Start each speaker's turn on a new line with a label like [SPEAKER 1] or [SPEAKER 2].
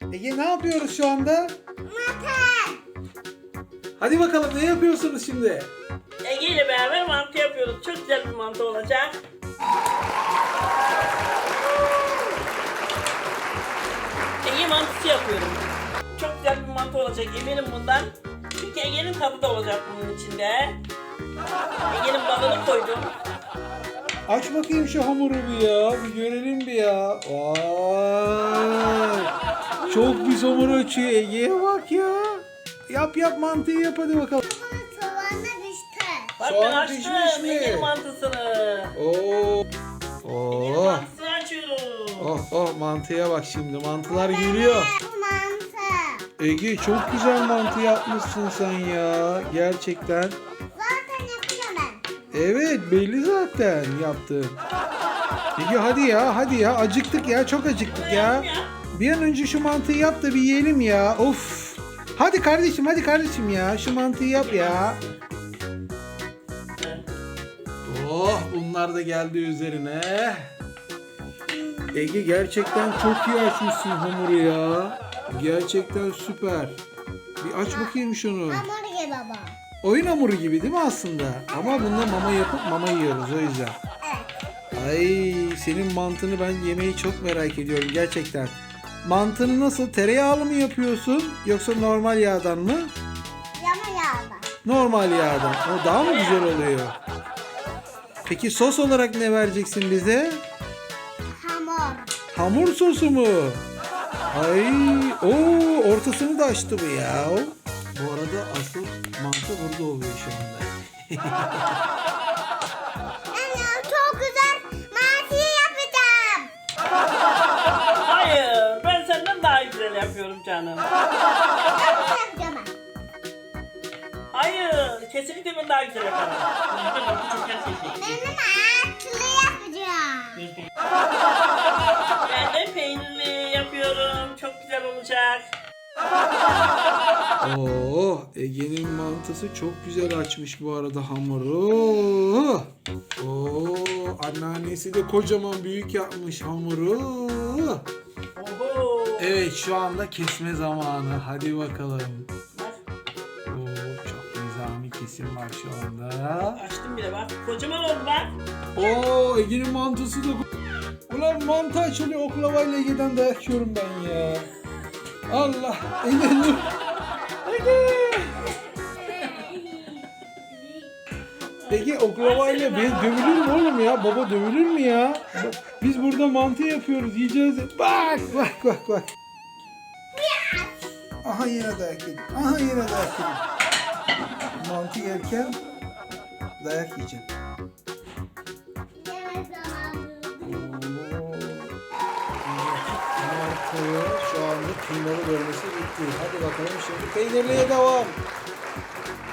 [SPEAKER 1] Ege ne yapıyoruz şu anda?
[SPEAKER 2] Mantı.
[SPEAKER 1] Hadi bakalım ne yapıyorsunuz şimdi?
[SPEAKER 3] Ege ile beraber mantı yapıyoruz. Çok güzel bir mantı olacak. Ege mantısı yapıyorum. Çok güzel bir mantı olacak eminim bundan. Çünkü Ege'nin tadı da olacak bunun içinde. Ege'nin balını koydum.
[SPEAKER 1] Aç bakayım şu hamuru bir ya. Bir görelim bir ya. Vay. Çok güzel hamur açıyor Ege'ye bak ya. Yap yap mantıyı yap hadi bakalım.
[SPEAKER 2] Soğanla düştü.
[SPEAKER 3] Bak
[SPEAKER 1] Soğan
[SPEAKER 3] ben açtım
[SPEAKER 1] pişmiş mi?
[SPEAKER 3] Ege'nin mantısını.
[SPEAKER 1] Oo.
[SPEAKER 3] Ege'nin
[SPEAKER 1] Oh.
[SPEAKER 3] mantısını açıyorum.
[SPEAKER 1] Oh oh mantıya bak şimdi. Mantılar geliyor.
[SPEAKER 2] Mantı.
[SPEAKER 1] Ege çok güzel mantı yapmışsın sen ya. Gerçekten.
[SPEAKER 2] Zaten yapacağım ben.
[SPEAKER 1] Evet belli zaten yaptın. Ege hadi ya hadi ya acıktık ya çok acıktık ya. Bir an önce şu mantıyı yap da bir yiyelim ya. Of. Hadi kardeşim ya şu mantıyı yap ya. Oh bunlar da geldi üzerine. Ege gerçekten çok iyi açmışsın hamuru ya. Gerçekten süper. Bir aç bakayım şunu.
[SPEAKER 2] Hamburger baba.
[SPEAKER 1] Oyun hamuru gibi değil mi aslında? Ama bunda mama yapıp mama yiyoruz o yüzden.
[SPEAKER 2] Evet.
[SPEAKER 1] Ay senin mantını ben yemeyi çok merak ediyorum gerçekten. Mantını nasıl tereyağlı mı yapıyorsun yoksa normal yağdan mı?
[SPEAKER 2] Yama yağda.
[SPEAKER 1] Normal yağdan. O daha mı güzel oluyor? Peki sos olarak ne vereceksin bize?
[SPEAKER 2] Hamur.
[SPEAKER 1] Hamur sosu mu? Ay, ortasını da açtı bu ya. Bu arada asıl mantı burada oluyor şu anda.
[SPEAKER 2] Anne çok güzel mantı yapacağım.
[SPEAKER 3] Hayır, ben senden daha güzel yapıyorum canım.
[SPEAKER 2] Nasıl yapacağım ben?
[SPEAKER 3] Hayır, kesinlikle ben daha güzel yaparım.
[SPEAKER 2] Benim atlı yapacağım.
[SPEAKER 3] Ben de peynirli yapıyorum. Çok güzel olacak.
[SPEAKER 1] Oo, Ege'nin mantısı çok güzel açmış bu arada hamuru. Oo, anneannesi de kocaman büyük yapmış hamuru.
[SPEAKER 3] Oho.
[SPEAKER 1] Evet şu anda kesme zamanı. Hadi bakalım.
[SPEAKER 3] Bak,
[SPEAKER 1] Oo, çok nizami kesim var şu anda.
[SPEAKER 3] açtım bile bak. Kocaman oldu bak.
[SPEAKER 1] Oo, Ege'nin mantısı da... Ulan mantı açılıyor oklavayla Ege'den dayak yiyorum ben ya. Allah. Ege dur. Ege. Ege oklavayla dövülür mü oğlum ya? Baba dövülür mü ya? Biz burada mantı yapıyoruz yiyeceğiz. Bak. Aha yine dayak yedim. Mantı yerken dayak yiyeceğim.
[SPEAKER 2] Yemek zamanı.
[SPEAKER 1] Şu anda tümleri bölmesi bitti. Hadi bakalım şimdi peynirliye devam.